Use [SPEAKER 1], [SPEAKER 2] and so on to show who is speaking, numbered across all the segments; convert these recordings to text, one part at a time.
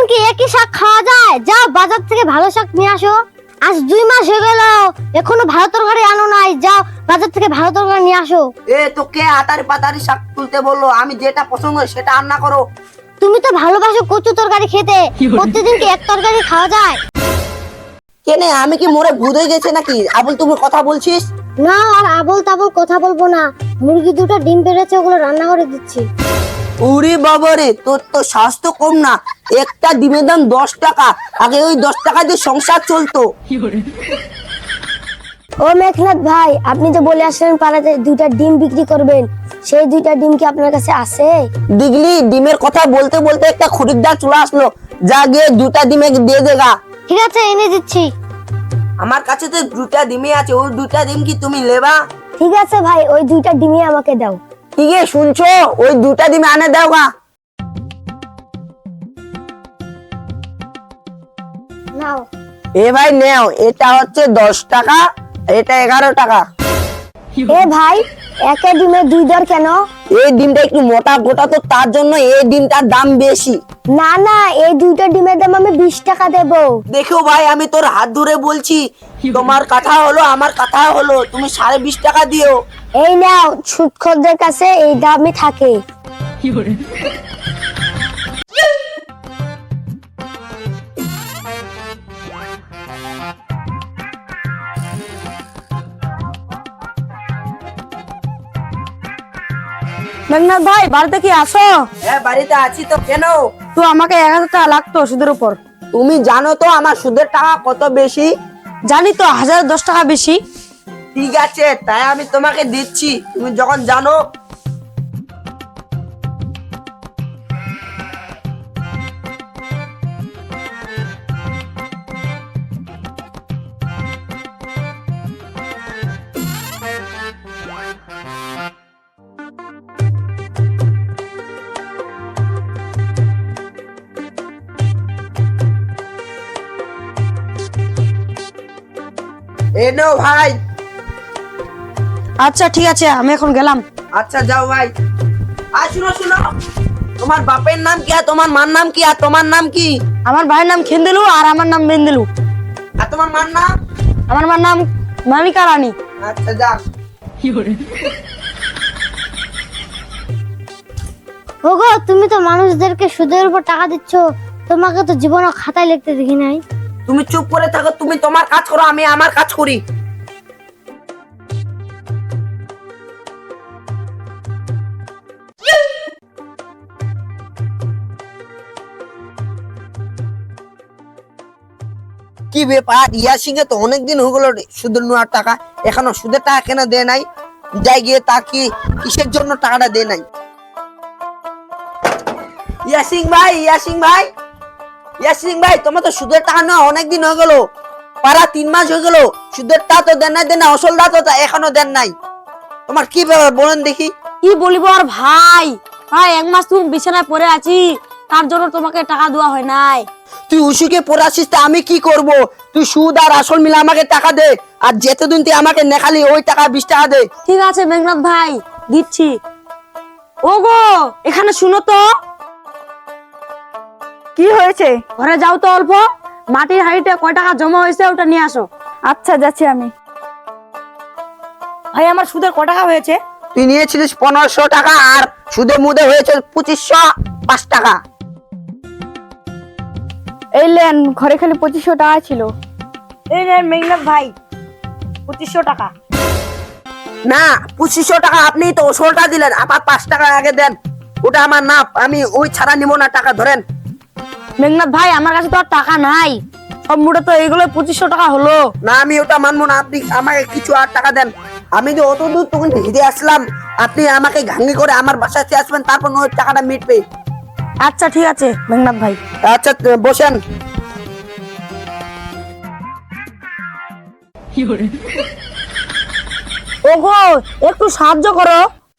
[SPEAKER 1] কি একই শাক খাওয়া যায়? যাও বাজার থেকে ভালো শাক নিয়ে আসো। আজ 2 মাস হয়ে গেল এখনো ভালো তরকারি আনো নাই, যাও বাজার থেকে ভালো তরকারি নিয়ে আসো।
[SPEAKER 2] তোকে আতারি পাতারি শাক তুলতে বললো? আমি যেটা পছন্দ সেটা রান্না করো।
[SPEAKER 1] তুমি তো ভালোবাসো কচু তরকারি খেতে, প্রতিদিন কি এক তরকারি খাওয়া যায়?
[SPEAKER 2] কেনে আমি কি মোরে ভূত হয়ে গেছে নাকি? আবল তুমি কথা বলছিস?
[SPEAKER 1] না আর আবল তাবল কথা বলবো না, মুরগি দুটো ডিম পেড়েছে ওগুলো রান্না করে দিচ্ছি।
[SPEAKER 2] উরি বাবারে, তোর তো স্বাস্থ্য কম না। একটা ডিমের দাম 10 টাকা। আগে ওই 10 টাকা দিয়ে সংসার চলতো।
[SPEAKER 1] ও মেঘনাথ ভাই, আপনি যে বলে আসলেন পাড়াতে 2টা ডিম বিক্রি করবেন, সেই 2টা ডিম কি আপনার কাছে আছে?
[SPEAKER 2] দিগলি, ডিমের কথা বলতে বলতে একটা খরিদ্দার চলে আসলো। যা গিয়ে 2টা ডিমে দিয়ে দেগা।
[SPEAKER 1] ঠিক আছে, এনে দিচ্ছি।
[SPEAKER 2] আমার কাছে তো 2টা ডিমই আছে, ওই 2টা ডিম কি তুমি নেবা?
[SPEAKER 1] ঠিক আছে ভাই, ওই 2টা ডিমই আমাকে দাও।
[SPEAKER 2] ঠিক আছে, শুনছো? ওই 2টা ডিম আনে দাও গা।
[SPEAKER 1] নাও।
[SPEAKER 2] এ ভাই নেও, এটা হচ্ছে 10 টাকা, এটা 11 টাকা।
[SPEAKER 1] এ ভাই, একে ডিমে 2 দর কেন?
[SPEAKER 2] এই ডিমটা একটু মোটা গোটা তো, তার জন্য এই ডিমটার দাম বেশি।
[SPEAKER 1] না না, এই 2টা ডিমের দাম আমি 20 টাকা দেব।
[SPEAKER 2] দেখো ভাই, আমি তোর হাত ধরে বলছি, তোমার কথা হলো আমার কথা হলো, তুমি 20.5 টাকা দিও।
[SPEAKER 1] এই নাও, সুদখোরদের কাছে এই দামই থাকে।
[SPEAKER 3] মেঘনাথ ভাই, বাড়িতে কি আসো?
[SPEAKER 2] হ্যাঁ বাড়িতে আছি তো। কেন?
[SPEAKER 3] তো আমাকে 1000 টাকা লাগতো সুদের উপর।
[SPEAKER 2] তুমি জানো তো আমার সুদের টাকা কত বেশি?
[SPEAKER 3] জানি তো, 1010 টাকা বেশি।
[SPEAKER 2] ঠিক আছে, তাই আমি তোমাকে দিচ্ছি, তুমি যখন জানো। এ নাও ভাই।
[SPEAKER 3] আচ্ছা ঠিক আছে, আমি এখন গেলাম।
[SPEAKER 2] আচ্ছা যাও ভাই। আর শুনো শুনো, তোমার বাপের নাম কি আর তোমার মার নাম কি আর তোমার নাম কি?
[SPEAKER 3] আমার ভাইয়ের নাম খেন্দেলু আর আমার নাম বেন্দেলু।
[SPEAKER 2] আর তোমার মার নাম?
[SPEAKER 3] আমার মার নাম মালিকা রানী।
[SPEAKER 2] আচ্ছা যা।
[SPEAKER 1] ওগো, তুমি তো মানুষদেরকে সুদের উপর টাকা দিচ্ছ, তোমাকে তো জীবনে খাতায় লিখতে দেখি নাই।
[SPEAKER 2] তুমি চুপ করে থাকো, তুমি তোমার কাজ করো, আমি আমার কাজ করি। কি ব্যাপার, ইয়াসিং এ তো অনেকদিন হয়ে গেল সুদের নেওয়ার টাকা, এখনো সুদের টাকা কেন দেয় নাই? যাই গিয়ে তা কি কিসের জন্য টাকাটা দেয় নাই? ইয়াসিং ভাই, ইয়াসিং ভাই, ইয়াসিং ভাই, তোমার তো সুদের টাকা নেওয়া অনেকদিন হয়ে গেল, পারা 3 মাস হয়ে গেল, সুদের টাকা তো দেন নাই, আসলটা তো এখনো দেন নাই। তোমার কি ব্যাপার বলেন দেখি?
[SPEAKER 3] কি বলিব আর ভাই, 1 মাস তুমি বিছানায় পড়ে আছি, তার জন্য তোমাকে টাকা দেওয়া হয় নাই।
[SPEAKER 2] তুই উসুকে পড়াছিস, তা আমি কি করব? তুই সুদ আর আসল মিলে আমাকে টাকা দে, আর যেতদিন তুই আমাকে নেখালি ওই টাকা 20 টাকা দে।
[SPEAKER 3] ঠিক আছে মেঘনাথ ভাই, দিচ্ছি। ওগো, এখানে শুনো তো।
[SPEAKER 4] কি হয়েছে?
[SPEAKER 3] ঘরে যাও তো, অল্প মাটির হাঁড়িতে কয় টাকা জমা হয়েছে ওটা নিয়ে আসো।
[SPEAKER 4] আচ্ছা যাচ্ছি আমি।
[SPEAKER 3] ভাই, আমার সুদের কয় টাকা হয়েছে?
[SPEAKER 2] তুই নিয়েছিলিস 1500 টাকা, আর সুদে মুদে হয়েছে 2505 টাকা।
[SPEAKER 4] এই লেন, ঘরে খালি 2500 টাকা ছিল।
[SPEAKER 3] এই নেন মেঘনাথ ভাই, 2500 টাকা।
[SPEAKER 2] না, 2500 টাকা আপনি তো ওসলটা দিলেন, আবার 5 টাকা আগে দেন, ওটা আমার না, আমি ওই ছাড়া নিব না টাকা, ধরেন।
[SPEAKER 3] মেঘনাথ ভাই, আমার কাছে তো আর টাকা নাই, সব মোটে তো এইগুলো 2500 টাকা হলো।
[SPEAKER 2] না, আমি ওটা মানবো না, আপনি আমাকে কিছু আর টাকা দেন। আমি যে অত দূর তখন হেঁটে আসলাম, আপনি আমাকে ঘাঙ্গি করে আমার বাসাতে আসবেন, তারপর ওই টাকাটা মিটবে।
[SPEAKER 3] আচ্ছা ঠিক আছে মেঘনাথ ভাই।
[SPEAKER 2] আচ্ছা বসেন।
[SPEAKER 3] ওগো, একটু সাহায্য করো।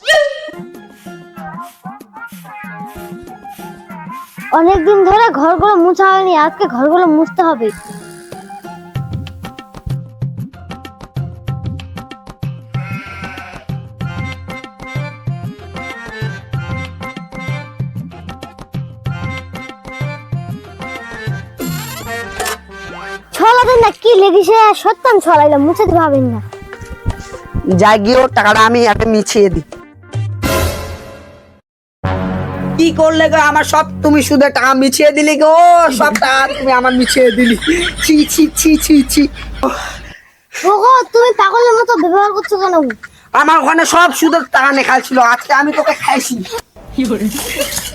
[SPEAKER 1] অনেকদিন ধরে ঘরগুলো মুছা হয়নি, আজকে ঘরগুলো মুছতে হবে। কি লেগেছে সত্যান ছড়াইলাম মুছাতে ভাবেন না।
[SPEAKER 2] যাই গিয়েও টাকাটা আমি একটা মিছিয়ে দিই। কি করলে গো আমার সব তুমি সুদের টাকা মিছিয়ে দিলি গো, সব টাকা তুমি আমার মিছিয়ে দিলি। ছি ছি ছি ছি ছি।
[SPEAKER 1] ওগো তুমি পাগলের মতো ব্যবহার করছো কেন?
[SPEAKER 2] আমার ওখানে সব সুদের টাকা নেখাল ছিল, আজকে আমি তোকে খাইছি।